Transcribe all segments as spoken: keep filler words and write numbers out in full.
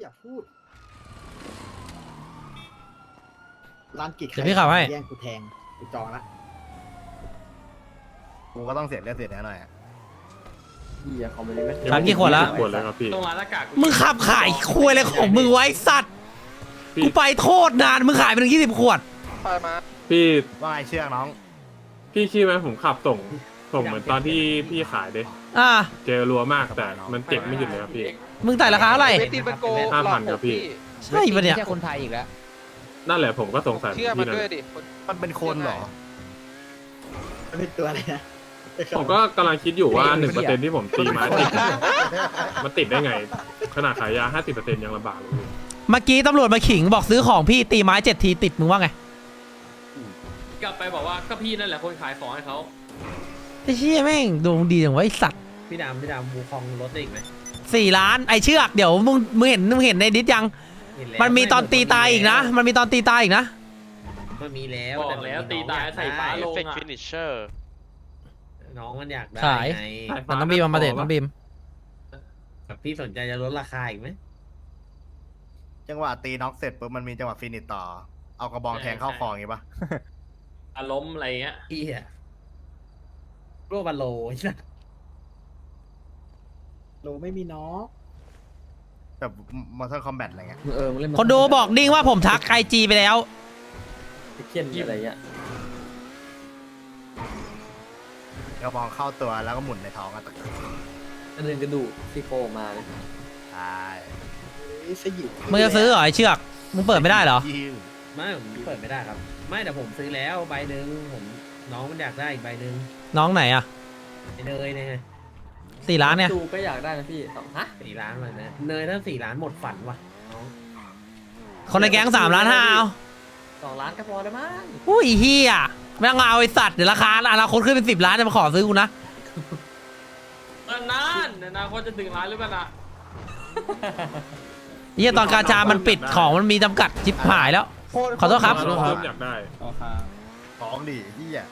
อย่าพูดร้านกิจเดี๋ยวพี่ขับให้แย่งกูแทงกูจองละกูก็ต้องเสียเลือดเสียเนื้อหน่อยอะพี่อะเขาไม่ได้ไหมสามกี่ขวดละขวดเลยครับพี่ตรงร้านหน้ากากมึงขับขายคุยอะไรของมึงไว้สัตว์พี่กูไปโทษนานมึงขายไปถึงยี่สิบขวดพี่ว่าไงเชือกน้องพี่คิดไหมผมขับส่งส่งเหมือนตอนที่พี่ขายเด้อ่าเจอรัวมากแต่มันเจ็บไม่หยุดเลยครับพี่มึงแต่ราคาเท่าไหร่เวทีมันโกห้าพันครับพี่ใช่ปะเนี่ยไม่ใช่คนไทยอีกแล้วนั่นแหละผมก็สงสัยเชื่อมันพี่นั่นด้วยดิมันเป็นคนเหรอมันเป็นตัวอะไรนะผมก็กำลังคิดอยู่ว่าหนึ่งเปอร์เซ็นที่ผมตีไม้ติดมันติดได้ไง ขนาดขายยาห้าสิบเปอร์เซ็นยังลำบากเลยเมื่อกี้ตำรวจมาขิงบอกซื้อของพี่ตีไม้เจ็ดทีติดมึงว่าไงกลับไปบอกว่าก็พี่นั่นแหละคนขายของให้เขาไอ้เชี่ยแม่งดวงดีอย่างไว้สัตว์พี่ดำพี่ดำบูคองรถได้อีกไหมสี่ล้านไอเชือกเดี๋ยวมึงมึงเห็นมึงเห็นในดิสยัง มันมีตอนตีตายอีกนะ มันมีตอนตีตายอีกนะมันมีแล้วบอกแล้วตีตายใส่ฟ้าลงเฟกอ่ะฟินิชเชอร์น้องมันอยากได้ขายไงมันต้องบีมเอามาเด็ดต้องบีมแบบพี่สนใจจะลดราคาอีกไหมจังหวะตีน็อกเสร็จปุ๊บมันมีจังหวะฟินิชต่อ เอากระบองแทงเข้าคออย่างงี้ปะอารมณ์อะไรเงี้ยพี่อะโรบัลโลใช่ไหมโลไม่มีน้องแบบมอเตอร์คอมแบทอะไรเงี้ยเออมึงเล่นคนดูบอกดิ้งว่าผมทักไอจีไปแล้วเขียนอะไรเงี้ยกระบองเข้าตัวแล้วก็หมุนในท้องอะตะอันนึงกระดูกที่โคออกมาเลยใช่ไอ้สยิบมึงจะซื้อเหรอไอเชือก มึงเปิดไม่ได้เหรอยิงไม่ผมเปิดไม่ได้ครับ ไม่แต่ผมซื้อแล้วใบหนึ่งผมน้องมันอยากได้อีกใบหนึ่งน้องไหนอะไอ้เนยเนี่ยสี่ล้านเนี่ยดูก็อยากได้นะพี่สองฮะสี่ล้านเลยนะเนยถ้าสี่ล้านหมดฝันว่ะน้องคนในแก๊งสามล้านห้าเอาสองล้านก็พอแล้วมั้งอุ้ยเฮียไม่ต้องเอาไอสัตว์เดี๋ยวราคาอนาคตขึ้นเป็นสิบล้านจะมาขอซื้อกูนะนานๆอนาคตจะถึงล้านหรือเปล่านะเฮียตอนกาชามันปิดของมันมีจำกัดจิบหายแล้ว ขอโทษครับเริ่มอยากได้ท้องดิที่อ่ะ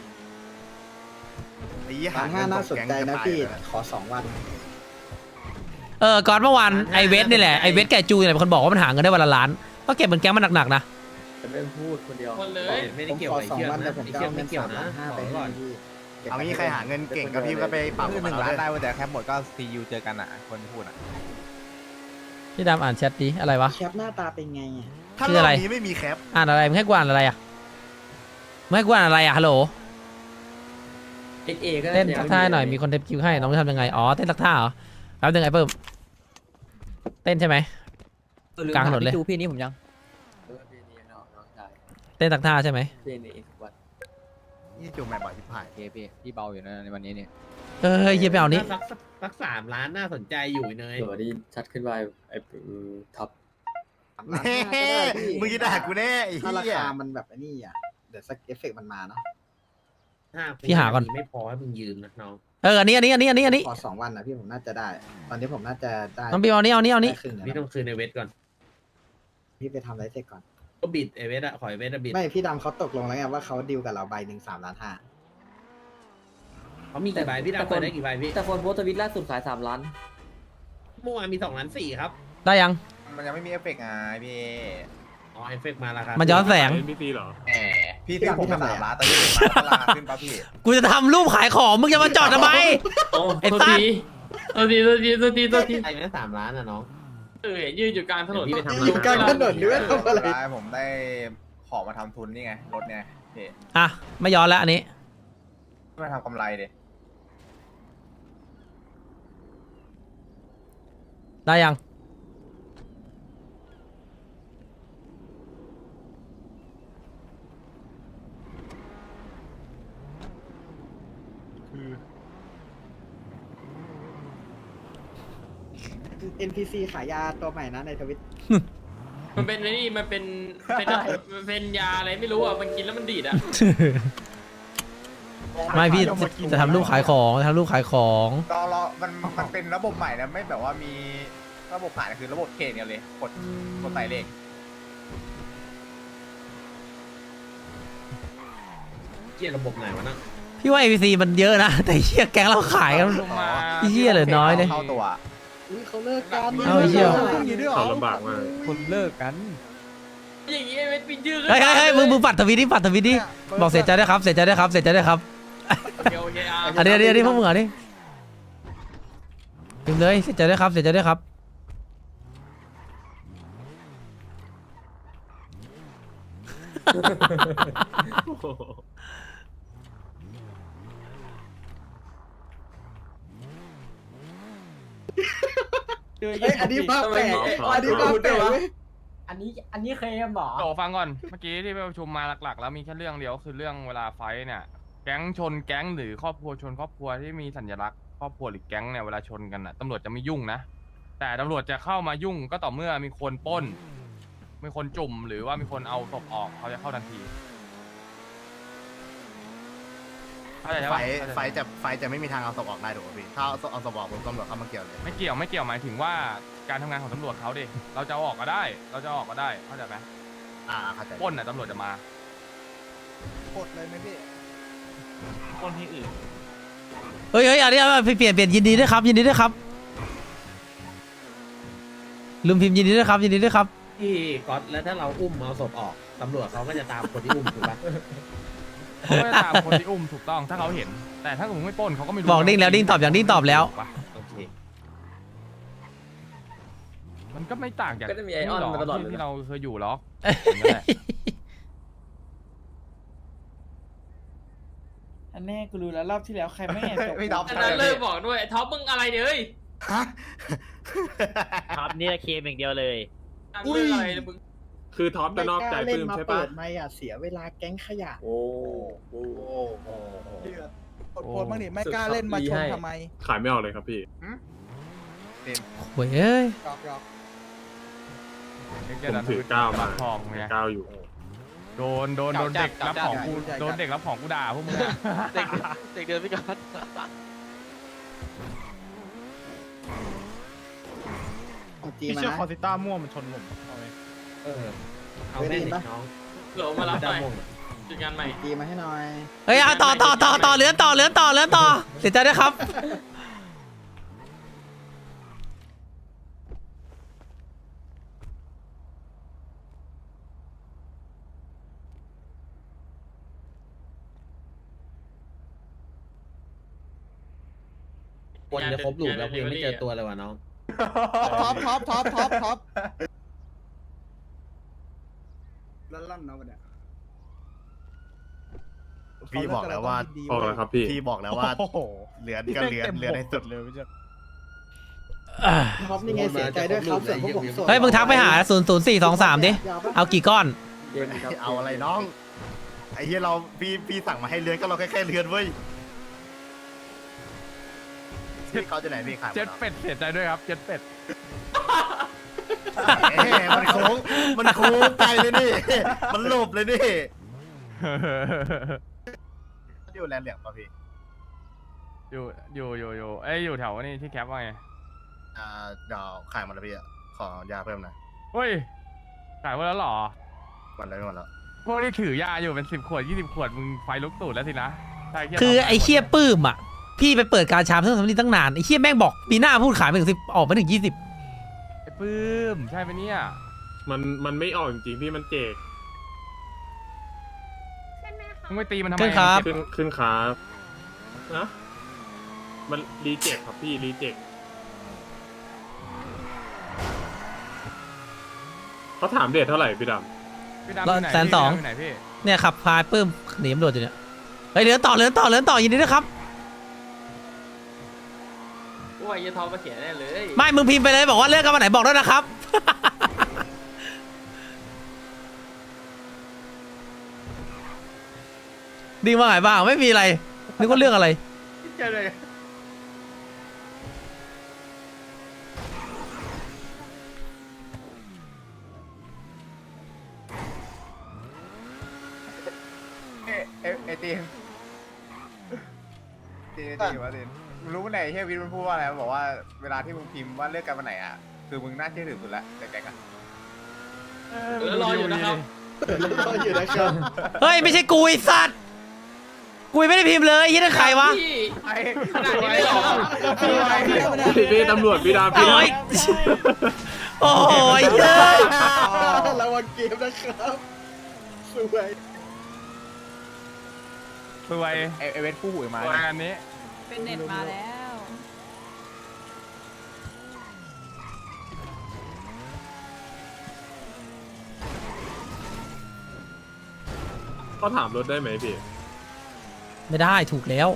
ไอ้ยี่ร้านห้าน่าสนใจนะพี่ขอสองวันเออก่อนเมื่อวานไอเวสนี่แหละไอเวสแกจูเนี่ยเป็นคนบอกว่ามันหาเงินได้วันละล้านก็เก็บเหมือนแก๊งมันหนักๆนะจะไม่พูดคนเดียวคนเลยไม่ผได้มเกี่ยวขอกับสองเชือกวันแต่นะผมไอ้จะเชือเอากเงิไม่นเกี่ยวสามนะล้านห้าบไปอกไว้ก่อนให้พี่เอางี้ใครหาเงินเก่งก็พี่ก็ไปปรับคือหมันึ่นงเอาล้านเลยได้เว้ยแต่แค่หมดก็ซียูเจอกันอ่ะ คนที่พูดอ่ะพี่ดำอ่านแชทดิอะไรวะแคปหน้าตาเป็นไงอ่ะถ้าชื่รอออะไรบนี้ไม่มีแคปอ่านอะไรมึงให้กูอ่านอะไรอ่ะมึงให้กูอ่านอะไรอ่ะฮัลโหลเอ็กเอก็เต้นทักท่าหน่อยมีคนเทปคิวให้น้องจะทำยังไงอ๋อเต้นทักท่าเหรอแป๊บนึงไอ้เพิ่มเต้นใช่ไหม กลางถนนเลยพี่จูพี่นี้ผมยังเออพี่นี้เนาะน้องชายเต้นทักท่าใช่ไหมพี่นี้อีกวันนี่จูงแม่บ่อยชิบหายโอเคพี่พี่เบาอยู่นะในวันนี้เนี่ยเออเฮียไปเอานี้สักสักสามล้านน่าสนใจอยู่เนยเดี๋ยวนี้ชัดขึ้นไปไอ้ท็อปร้านห้าก็ได้พี่มึงจะด่ากูแน่ไอ้ถ้าราเหี้ยคามันแบบไอ้นี่อ่ะเดี๋ยวสักเอฟเฟกต์มันมาเนาะห้าพี่หาก่อนไม่พอให้มึงยืมนะน้องเอออันนี้อันนี้อันนี้อันนี้อันนี้ขอสองวันนะพี่ผมน่าจะได้ ตอนนี้ผมน่าจะได้น้องบีมเอานี้เอานี้เอานี้ได้ครึ่งแล้วพี่ต้องคืนในเวทก่อนพี่ไปทำอะไรเสร็จก่อนก็บิดไอเวทอะขอไอเวทอะบิดไม่พี่ดำเขาตกลงแล้วไงว่าเขาดีลกับเราใบหนึ่งสามล้านห้าเขามีกี่ใบพี่ดาวเปิดได้กี่ใบพี่แต่คนโพสต์ทวิตล่าสุดขายสามล้านเมื่อวานมีสองล้านสี่ครับได้ยังมันยังไม่มีเอฟเฟกต์ไงพี่อ๋อไอเฟกมาแล้วครับมันย้อนแสงเอ็นพีซีเหรอแหมพี่ซื้อผมมาสามล้านตอนนี้ผมราคาขึ้นป่ะพี่กูจะทำรูปขายของมึงจะมาจอดทำไมโอ้ไอ้สัตว์ตัวทีตัวทีตัวทีตัวทีไอ้แม่สามล้านอะน้องเออยืนอยู่กลางถนนพี่ไปทำอยู่กลางถนนด้วยทำอะไรได้ผมได้ของมาทำทุนนี่ไงรถไงพี่อ่ะไม่ย้อนแล้วอันนี้มาทำกำไรดิได้ยังเอ็น พี ซี ขายยาตัวใหม่นะในทวิตมันเป็นไอ้นี่มันเป็นเป็นมันเป็นยาอะไรไม่รู้อ่ะมันกินแล้วมันดีดอ่ะไม่พี่จะจะทำรูปขายของจะทำรูปขายของรอรอมันมันเป็นระบบใหม่นะไม่แบบว่ามีระบบผ่านคือระบบเขตกันเลยกดกดใส่เลขเกี่ยระบบไหนวะนะพี่ว่า เอ พี ซี มันเยอะนะ แต่เฮียแก๊งเราขายกันลงมาเหี้ยเหลือน้อยเลยเข้าตัวรอุ้ยเขาเลิกกันเอาไอ้เหี้ยเขาลำบากมากคนเลิกกันอย่างงี้ไอ้เวทปินชื่อขึ้นเฮ้ยเฮ้ยเฮ้ยมึงมึงปัดทวิตดิปัดทวิตดิบอกเสียใจด้วยครับเสียใจด้วยครับเสียใจด้วยครับเดี๋ยวโอเคอ่ะอันนี้อันนี้อันนี้พวกมึงอ่ะนี่พิมพ์เลยเสียใจด้วยครับเสียใจด้วยครับเฮ้ยอันนี้ภาพแปลกอันนี้ภาพแปลกเว้ยอันนี้อันนี้เคลมเหรอโตฟังก่อน เมื่อกี้ที่ไปประชุมมาหลักๆ แล้วมีแค่เรื่องเดียวคือเรื่องเวลาไฟท์เนี่ย แก๊งชนแก๊งหรือครอบครัวชนครอบครัวที่มีสัญลักษณ์ครอบครัวหรือแก๊งเนี่ยเวลาชนกันน่ะตำรวจจะไม่ยุ่งนะ แต่ตำรวจจะเข้ามายุ่งก็ต่อเมื่อมีคนปล้น มีคนจุ่มหรือว่ามีคนเอาศพออกเขาจะเข้าทันทีเข้าใจใช่ไฟปะไฟจะไฟจะไม่มีทางเอาศพออกได้ถูกป่ะพี่ถ้าเอาเอาศพออกผมตำรวจเข้ามาเกี่ยวเลยไม่เกี่ยวไม่เกี่ยวหมายถึงว่าการทำงานของตำรวจเขาดิเราจะเอาออกก็ได้ เราจะเอาออกก็ได้เข้าใจไหมอ่าเข้าใจปล้นน่ะตำรวจจะมากดเลยไหมพี่ปล้นที่อื่นเฮ้ยเฮ้ยอันนี้เอาเปลี่ยนเปลี่ยนยินดีด้วยครับยินดีด้วยครับลืมพิมพ์ยินดีด้วยครับยินดีด้วยครับที่ก๊อตแล้วถ้าเราอุ้มเอาศพออกตำรวจเขาก็จะตามคนที่อุ้มถูกปะเขาก็จะตามคนที่อุ้มถูกต้องถ้าเขาเห็น แต่ถ้าสมมติไม่ปล้นเขาก็ไม่รู้บอกดิ้งแล้วดิ้งตอบอย่างดิ้งตอบแล้วโอเคมันก็ไม่ต่างจากก็จะมีไอออนมาตลอดเลยที่นะเราเคยอยู่หรอกอย่างนั้นแหละอันแน่กูรู้แล้วรอบที่แล้วใครไม่ตกไม่ดับอันนั้นเลิกบอกด้วยไอ้ท็อปมึงอะไรเนี่ยเฮ้ยฮะครับนี่เคมอย่างเดียวเลยทำเรื่องอะไรเนี่ยมึงคือท็อปจะนอกใจไม่ปื้ล้าม มาใช่เปิปะดไม่อ่ะเสียเวลาแก๊งขยะโอ้โหเดือดกดโพสต์บ้างดิไม่กล้าเล่นมาชนทำไมขายไม่ออกเลยครับพี่โว้ยเอ้ยหยอกหยอกผมถือก้าวมาทองไงก้าวอยู่โดนโดนโดนเด็กรับของกูโดนเด็กรับของกูด่าพวกมึงอะเด็กเด็กเดินพี่ก๊อตเอาจีพี่มาเชื่อนะคอสิต้าม่วงมันชนผมเอาไหมเออเอาแม่งดิน้องเหลือมารับหน่อยดำมงจุดงานใหม่จีมาให้หน่อยเฮ้ยเอาต่อต่อต่อต่อเลื่อนต่อเลื่อนต่อเลื่อนต่อเสียใจด้วยครับคนจะครบลูกแล้วกูยังไม่เจอตัวเลยว่ะน้องท็อปท็อปท็อปท็อปท็อปลั่นๆเนาะวันเนี้ยพี่บอกแล้วว่าออกแล้วครับพี่พี่บอกแล้วว่าโอ้โหเหลือนก็เหลือนเหลือนให้สุดเลยไม่ใช่ท็อปนี่ไงเสียใจด้วยครับส่วนพวกผมส่วนเฮ้ยมึงทักไปหาศูนย์ศูนย์สี่สองสามดิเอากี่ก้อนเย็นครับเอาอะไรน้อง ไอ้เหี้ยเราพี่พี่สั่งมาให้เลือนก็เราแค่แค่เลือนเว้ยพี่เขาจะไหนพี่ขายหมเจ็ดดแล้วเป็ดเสียใจด้วยครับเจ็ดเป็ดเอ๊ะมันโค้งมันโค้งไกลเลยนี่ มันหลบเลยนี่อยู่แลนด์เหลืองป่ะพี่อยู่อยู่อยู่อยู่เอ้ยอยู่แถวนี่ที่แคปว่าไงอ่าเดี๋ยวขายหมดแล้วพี่อะขอยาเพิ่มหน่อยเฮ้ยขายหมดแล้วเหรอหมดแล้วหมดแล้วพวกที่ถือยาอยู่เป็นสิบขวดยี่สิบขวดมึงไฟลุกตูดแล้วสินะใช่เหี้ยคือไอ้เคี้ยปื้มอ่ะพี่ไปเปิดการชามเพิ่งทำนี่ตั้งนานไอ้เคี้ยแม่งบอกปีหน้าพูดขายไปถึงสิบออกมาถึงยี่สิบไอ้ปื้มใช่ไหมเนี่ยมันมันไม่ออกจริงๆพี่มันเจกมึงไปตีมันทำไมขึ้นครับขึ้นขึ้นครับนะมันรีเจ็คครับพี่รีเจ็คเขาถามเดทเท่าไหร่พี่ดพี่ดำอยู่ไหนแสนสองพี่ดำยู่ไหนพี่เนี่ยขับพายปื้มหนีตำรวจอยู่เนี่ยเฮ้ยเลื่อนต่อเลื่อนต่อเลื่อนต่อยินดีด้วยครับกูว่าไอ้ท็อปมาเขียนแน่เลยไม่มึงพิมพ์ไปเลยบอกว่าเลื่อนกันวันไหนบอกด้วยนะครับ ดีว่าไงบ้างไม่มีอะไรนึกว่าเรื่องอะไรเจอเลยเอ๊ะเอ๊ะเอ๊ะตีนตีนตีนวะตีนมึงรู้ไหมเฮียวิทย์มันพูดว่าอะไรมันบอกว่าเวลาที่มึงพิมพ์ว่าเลือกกันวันไหนอ่ะคือมึงน่าเชื่อถือสุดแล้วแต่แกงอ่ะแล้วรออยู่นะครับรออยู่นะครับเฮ้ยไม่ใช่กูไอ้สัตว์กูยังไม่ได้พิมพ์เลยยี่นั่นใครวะพี่ขนาดนี้เลยเหรอพี่พี่ตำรวจพี่ดาวพี่โอ้ยโอ้ยเยอะระวังเกมนะครับสวยสวยเอเอเวนคู่หูมางานนี้เป็นเน็ตมาแล้วก็ถามรถได้ไหมพี่ไม่ได้ถูกแล้ว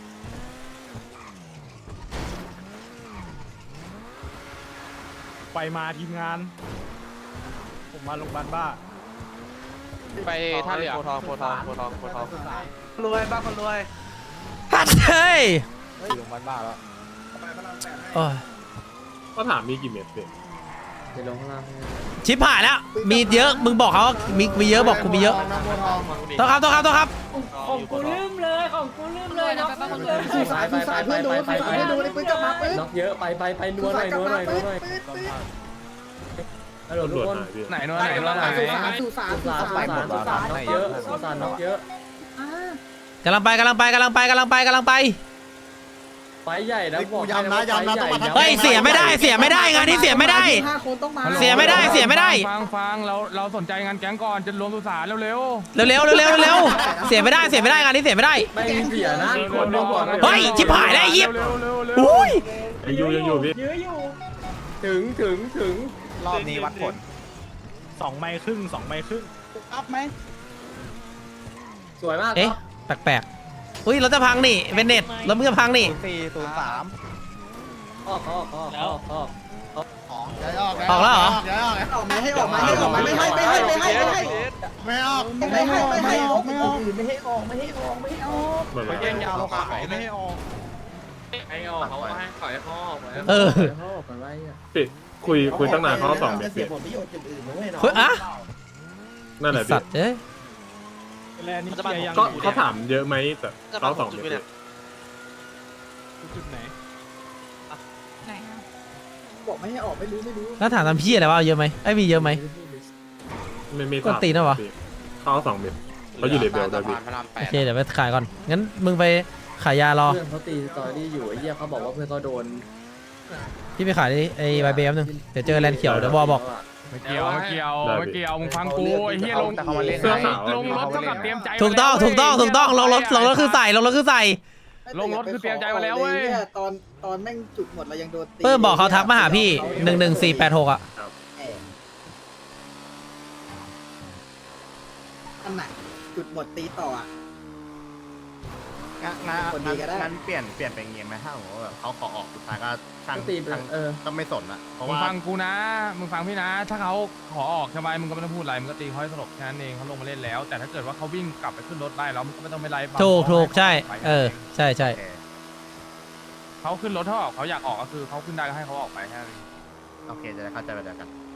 ไปมาทีมงาน ผมมาโรงพยาบาลบ้าไปท่าเรือโพทองโพทองโพทองโพทองรวยบ้าคนรวยฮัทเฮ้ยโรงพยาบาลบ้าแล้วโอ้ยก็ถามมีกี่เม็ดพี่ไปลงข้างล่างชิบหายแล้ว มีเยอะ มึงบอกเขาว่ามีมีเยอะบอกกูมีเยอะต้องครับต้องครับต้องครับของกูลืมเลยของกูลืมเลยเนาะสุสานสุสานเพื่อนดูสุสานเพื่อนดูในปืนกลับมาปืนน็อกเยอะไปไปไปนัวหน่อยนัวหน่อยนัวหน่อยฮัลโหลตำทุรกวจคนหายพี่ไหนโน่นไหนโน่นไหนสุสานสุสานสุสุสาสาน นสุสานน็อกเยอะสุสานน็อกเยอะกำลังไปกำลังไปกำลังไปกำลังไปกำลังไปไฟใหญ่นะบอกย้ำนะย้ำนะต้องมาเฮ้ยเสียไม่ได้เสียไม่ได้งานนี้เสียไม่ได้ห้าคนต้องมาเสียไม่ได้เสียไม่ได้ฟังฟังเราเราสนใจงานแก๊งก่อนจะรวมสุสานเร็วเร็วเร็วเร็วเร็วเร็วเสียไม่ได้เสียไม่ได้งานนี้เสียไม่ได้ไม่เสียนะๆคนดูก่อนเฮ้ยชิบหายแล้วไอ้เหี้ยเร็วเร็วเร็วอุ้ยยังอยู่ยังอยู่พี่ยื้ออยู่ถึงถึงถึงรอบนี้วัดผลสองไมล์ครึ่งสองไมล์ครึ่งอัพไหมสวยมากเอ๊ะแปลกๆอุ้ยรถจะพังนี่เป็นเน็ตรถมึงจะพังนี่สี่ศูนย์สามออกออกออกออกออกออกแล้วเหรอออกมาให้ออกมาให้ออกมาไม่ให้ไม่ให้ไม่ให้ไม่ให้ไม่ออกไม่ให้ไม่ให้ออกไม่ออกไม่ให้ออกไม่ให้ออกไม่ให้ออกเหมือนไปกันแย่งยาวเราขายไม่ให้ออกไอ้ออกเขาให้ขอยพ่ออกไปเออเขาออกกันไว้อะพี่คุยคุยตั้งนานเขาก็สองเม็ดเสีพี่ยผลประโยชน์อย่างอื่นด้วยเนาะเฮ้ยอะนั่นแหละสัพี่ตว์เอ้ยแลนด์นี่เคลียร์ยังก็เขาถามเยอะไหมแต่เขาสองเม็ดพี่จุดไหนไหนอะบอกไม่ให้ออกไม่รู้ไม่รู้แล้วถามทำพี่อะไรวะเอาเยอะไหมไอ้ยมีเยอะไหมไม่ไม่กดตีนเหรอวะพี่เขาสองเม็ดเขาอยู่เลเวลด้วยพี่โอเคเดี๋ยวไปขายก่อนงั้นมึงไปขายยารอเพื่อนเขาตีสตอรี่อยู่ไอ้เหี้ยเขาบอกว่าเพื่อนเขาโดนพี่ไปขายไอ้ใบเบฟนึงเดี๋ยวเจอแลนด์เขียวเดี๋ยวบอบอกไม่เกี่ยวไม่เกี่ยวไม่เกี่ยวมึงฟังกูไอ้เหี้ยลงแต่เขามาเล่นเสื้อขาวลงรถเท่ากับเตรียมใจถูกต้องถูกต้องถูกต้องลงรถลงรถคือใส่ลงรถคือใส่ลงรถคือเตรียมใจมาแล้วเว้ยตอนตอนแม่งจุดหมดเรายังโดนตีเพิ่มบอกเขาทักมาหาพี่หนึ่งหนึ่งสี่แปดหกอ่ะอันไหนจุดหมดตีต่ออ่ะงั้นงั้นคนดีก็ได้งั้นเปลี่ยนเปลี่ยนเป็นอย่างงี้ไหมถ้าสมมติว่าแบบเขาขอออกสุดท้ายก็ช่างก็ตีไปช่างเออก็ไม่สนอะเพราะมึงว่าฟังกูนะ มึงฟังพี่นะ ถ้าเขาขอออกใช่ไหมมึงก็ไม่ต้องพูดอะไร มึงก็ตีเขาให้สลบแค่นั้นเองเขาลงมาเล่นแล้ว แต่ถ้าเกิดว่าเขาวิ่งกลับไปขึ้นรถได้แล้วมึงก็ไม่ต้องไปไล่ฟังถูกถูกใช่ไปเออใช่ใช่โอเคเขาขึ้นรถเขาออกเขาอยากออกก็คือเขาขึ้นได้ก็ให้เขาออกไปแค่นั้นเองโอเคจะได้เข้าใจไปเดียวกัน